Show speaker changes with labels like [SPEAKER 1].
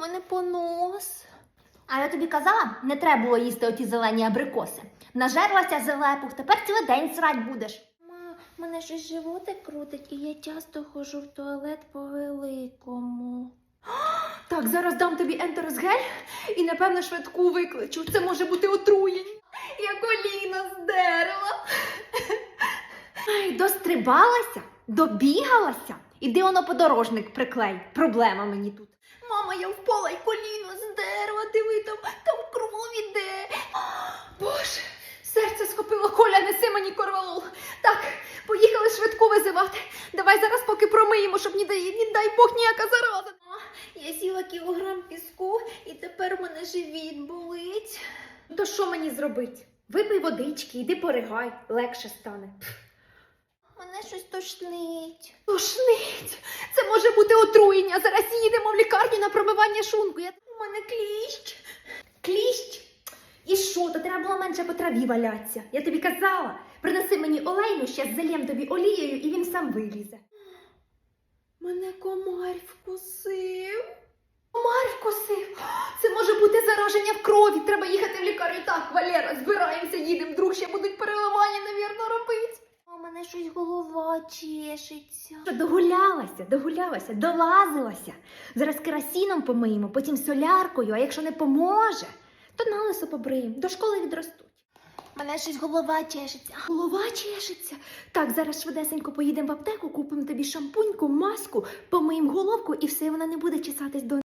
[SPEAKER 1] мене понос.
[SPEAKER 2] А я тобі казала, не треба було їсти оті зелені абрикоси. Нажерлася зелепух, тепер цілий день срать будеш.
[SPEAKER 1] Мене щось животик крутить, і я часто ходжу в туалет по великому.
[SPEAKER 2] Так, зараз дам тобі ентеросгель і, напевно, швидку викличу. Це може бути отруєння. Я коліно здерла. Ай, дострибалася, добігалася. Іди воно подорожник приклей. Проблема мені тут. Мама, я впала і коліно здерла. Диви, там кров іде. Боже, серце схопило. Коля, неси мені корвалол. Так, поїхали швидку визивати. Давай зараз поки промиємо, щоб, не дай Бог, ніяка зараза.
[SPEAKER 1] Я сіла кілограм піску, і тепер у мене живіт болить.
[SPEAKER 2] То що мені зробити? Випий водички, іди поригай, легше стане.
[SPEAKER 1] Мене щось тошнить.
[SPEAKER 2] Тошнить! Це може бути отруєння. Зараз їдемо в лікарню на промивання шлунку.
[SPEAKER 1] У мене кліщ.
[SPEAKER 2] Кліщ? І що? То треба було менше по траві валятися. Я тобі казала, принеси мені олейну, ще зальєм тобі олією, і він сам вилізе.
[SPEAKER 1] Мене комар вкусив.
[SPEAKER 2] Комар вкусив. Це може бути зараження в крові. Треба їхати в лікарню. Так, Валера, збираємося, їдемо. Вдруг ще будуть переливання, навірно, робити.
[SPEAKER 1] У мене щось голова чешеться.
[SPEAKER 2] Догулялася, долазилася. Зараз керосином помиємо, потім соляркою, а якщо не поможе, то налисо побриємо, до школи відростуть.
[SPEAKER 1] Мене щось голова чешеться.
[SPEAKER 2] Голова чешеться. Так, зараз швидесенько поїдемо в аптеку, купимо тобі шампуньку, маску, помиємо головку і все, вона не буде чесатись до